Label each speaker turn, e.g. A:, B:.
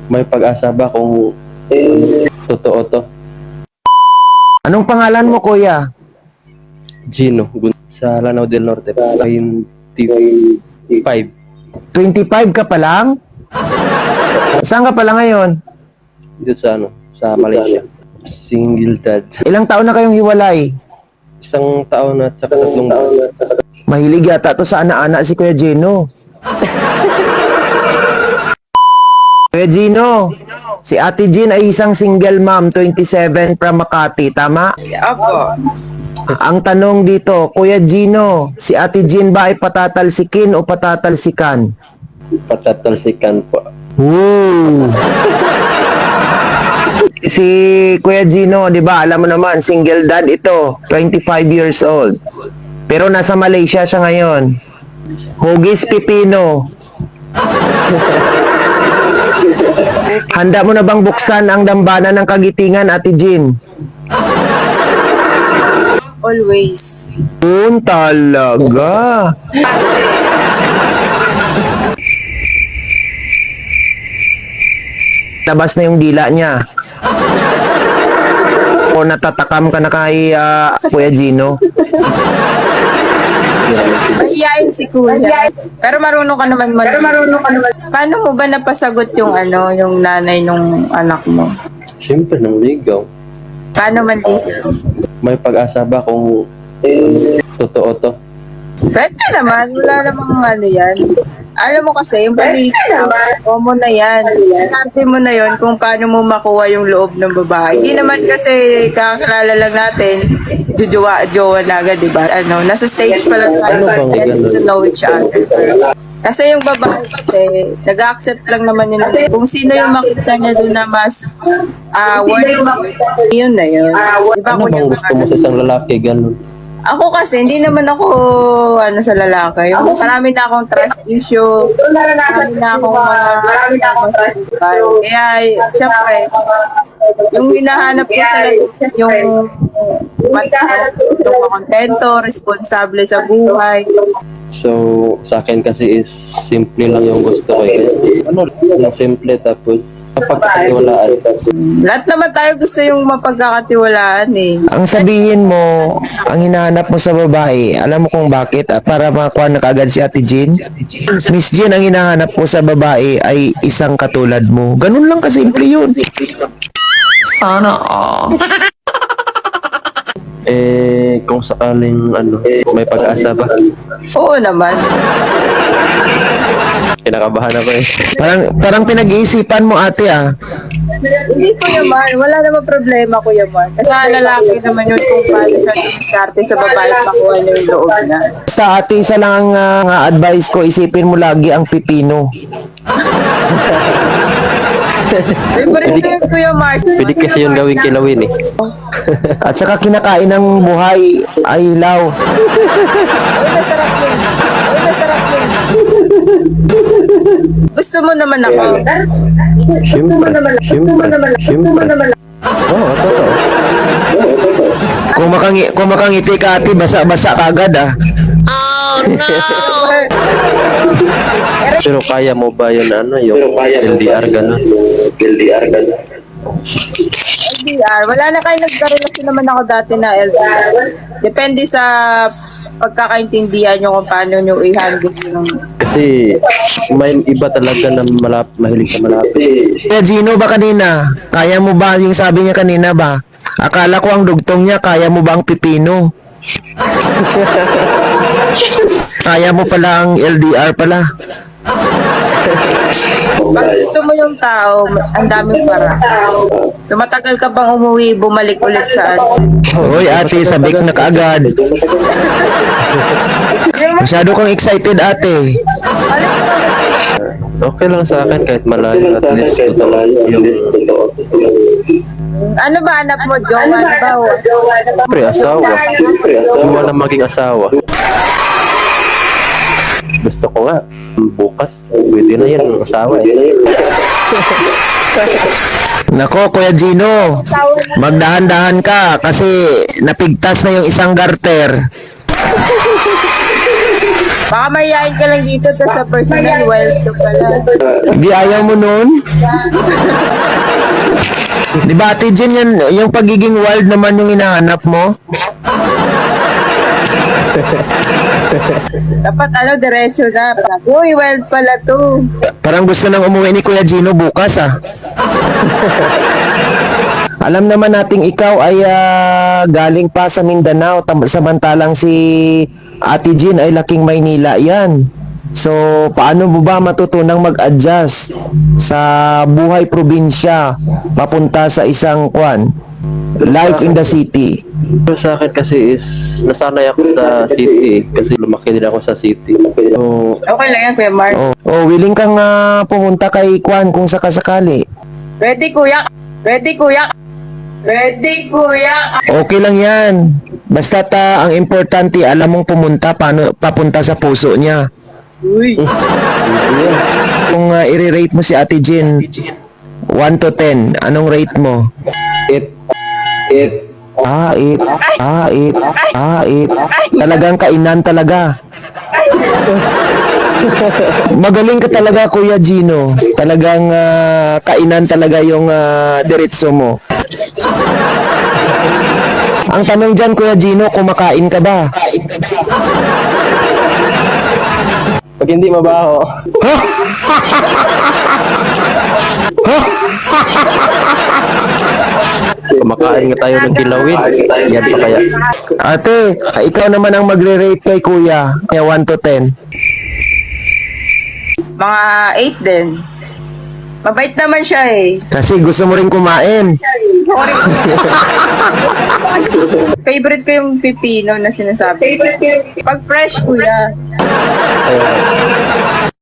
A: May pag-asa ba kung totoo to?
B: Anong pangalan mo, kuya?
A: Gino, sa Lanao del Norte, 25.
B: 25 ka pa lang? Saan ka pala ngayon?
A: Dito sa sa Malaysia. Single dad.
B: Ilang taon na kayong hiwalay?
A: 1 taon at saka 3 buwan.
B: Mahilig yata to sa ana-ana si Kuya Gino. Kuya Gino, si Ate Jean ay isang single mom, 27 from Makati, tama?
C: Opo.
B: Ang tanong dito, Kuya Gino, si Ate Jean ba ay patatalsikin o patatalsikan?
A: Patatalsikan po.
B: Woo! Si Kuya Gino, di ba, alam mo naman, single dad ito, 25 years old. Pero nasa Malaysia siya ngayon. Hugis pipino. Handa mo na bang buksan ang dambana ng kagitingan, Ate Jean?
C: Always.
B: Talaga. Labas na yung dila niya. O natatakam ka na kay Kuya Gino?
C: Mahihain si Kuya. Pero marunong ka naman Paano mo ba napasagot yung yung nanay nung anak mo?
A: Siyempre, nang ligaw.
C: Paano man dito?
A: May pag-asa ba kung totoo to?
C: Pwede naman. Wala namang yan. Alam mo kasi, yung paliligaw, common na yan. Sabi mo na yon kung paano mo makuha yung loob ng babae. Hindi naman kasi kakilala lang natin, jowa na agad, diba? Nasa stage pa lang tayo, getting to know each other. Kasi yung babae kasi, nag-accept lang naman yun. Kung sino yung makita niya doon na mas worth, yun na yun. Diba,
A: Ano bang gusto mo sa isang lalaki? Ganun.
C: ako kasi, hindi naman ako sa lalaki. Marami na akong trust issue. Marami na akong kaya, syempre, yung hinahanap ko sa yung kontento, responsable sa buhay.
A: So, sa akin kasi is simple lang yung gusto ko. Lang simple tapos mapagkakatiwalaan.
C: Lahat naman tayo gusto yung mapagkakatiwalaan eh.
B: Ang sabihin mo, ang hinahanap mo sa babae, alam mo kung bakit? Para makakuha na kaagad si Ate Jean? Miss Jean, ang hinahanap mo sa babae ay isang katulad mo. Ganun lang kasimple yun.
D: Sana all.
A: Kung sakaling may pag-asa ba?
C: Oo naman.
A: Kinakabahan ako eh.
B: Parang pinag-iisipan mo, ate, ah.
C: Hindi ko yaman. Wala naman problema ko yaman. Kasi lalaki naman yun kung paano siya diskarte sa babae at makuha niya yung loob na.
B: Sa ate, isa lang ang advice ko, isipin mo lagi ang pipino.
C: Favorite ko yun, Kuya Mars.
A: Pwede kasi yung gawing kilawin eh.
B: At saka kinakain ng buhay ay hilaw.
C: Uy, masarap yun. Uy, masarap yun. Gusto mo naman ako.
A: Siyempre. Oo, totoo.
B: Kung makangiti ka, ate, basa-basa ka agad, ah.
A: Pero kaya mo ba yun yung LDR gano'n?
C: LDR. Wala na kayo nagkarelasyon naman ako dati na LDR. Depende sa pagkakaintindihan nyo kung paano nyo i-handle yung...
A: Kasi may iba talaga na mahilig sa malapit.
B: Kaya Gino ba kanina? Kaya mo ba yung sabi niya kanina ba? Akala ko ang dugtong niya, kaya mo ba ang pipino? Kaya mo pala ang LDR pala.
C: Pag gusto mo yung tao, ang daming para. Tumatagal ka bang umuwi, bumalik ulit sa
B: Hoy ate, sabik na kaagad. Masyado kang excited, ate.
A: Okay lang sa akin kahit malayo, at least totoo yung
C: Ano ba anak mo, jowa na ba?
A: asawa. Kung wala maging asawa. Gusto ko nga, bukas, pwede na yan, asawa eh.
B: Nako, Kuya Gino, magdahan-dahan ka kasi napigtas na yung isang garter.
C: Baka mayayain ka lang dito, tapos sa personal, wild ka pala.
B: Di ayaw mo nun? Di ba, Ate Jen, yan, yung pagiging wild naman yung hinahanap mo?
C: Dapat diretso na. Uy, wild pala to.
B: Parang gusto nang umuwi ni Kuya Gino bukas, ah. Alam naman nating ikaw ay galing pa sa Mindanao, samantalang si Ate Jean ay laking Maynila yan. So, paano mo ba matutunang mag-adjust sa buhay probinsya papunta sa isang life in the city?
A: Pero sa akin kasi is, nasanay ako sa city kasi lumaki din ako sa city. So,
C: Okay lang yan, Kuya Mark.
B: Willing kang pumunta kay kung sakasakali.
C: Ready, kuya. Ready, kuya. Ready, kuya.
B: Okay lang yan. Basta ang importante, alam mong pumunta, papunta sa puso niya.
C: Uy.
B: Kung i-rate mo si Ate Jean, 1 to 10, anong rate mo?
A: it.
B: 8. Talagang kainan talaga. Magaling ka talaga, Kuya Gino. Talagang kainan talaga yung diretso mo. Ang tanong dyan, Kuya Gino, kumakain ka ba?
A: Pag hindi mabaho, kumakain nga tayo ng kilawin. Yan pa kaya.
B: Ate, ikaw naman ang magre-rate kay Kuya. 1 to 10.
C: Mga 8 din. Mabait naman siya eh.
B: Kasi gusto mo rin kumain.
C: Favorite ko yung pipino na sinasabi. Pag fresh, kuya.